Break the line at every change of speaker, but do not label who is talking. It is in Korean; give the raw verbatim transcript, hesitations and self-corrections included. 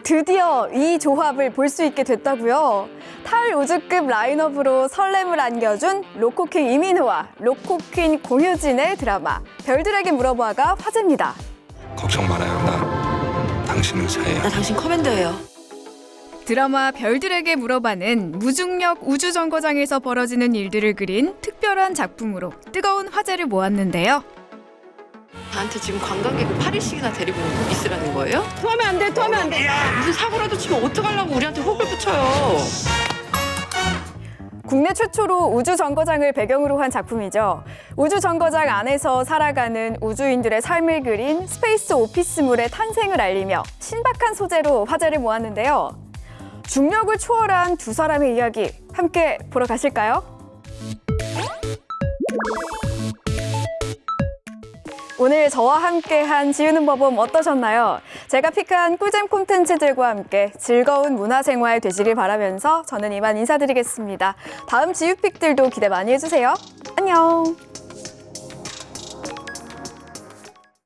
드디어 이 조합을 볼 수 있게 됐다고요. 탈우주급 라인업으로 설렘을 안겨준 로코킹 이민호와 로코퀸 공효진의 드라마 별들에게 물어봐가 화제입니다.
걱정 말아요. 나 당신 의사예요.
나 당신 커맨더예요.
드라마 별들에게 물어봐는 무중력 우주정거장에서 벌어지는 일들을 그린 특별한 작품으로 뜨거운 화제를 모았는데요.
나한테 지금 관광객을 팔 일씩이나 데리고 있으라는 거예요?
토하면 안 돼, 토하면 안 돼.
무슨 사고라도 치면 어떡하려고 우리한테 혹을 붙여요.
국내 최초로 우주정거장을 배경으로 한 작품이죠. 우주정거장 안에서 살아가는 우주인들의 삶을 그린 스페이스 오피스물의 탄생을 알리며 신박한 소재로 화제를 모았는데요. 중력을 초월한 두 사람의 이야기 함께 보러 가실까요? 오늘 저와 함께한 지우는 법은 어떠셨나요? 제가 픽한 꿀잼 콘텐츠들과 함께 즐거운 문화생활 되시길 바라면서 저는 이만 인사드리겠습니다. 다음 지우픽들도 기대 많이 해주세요. 안녕!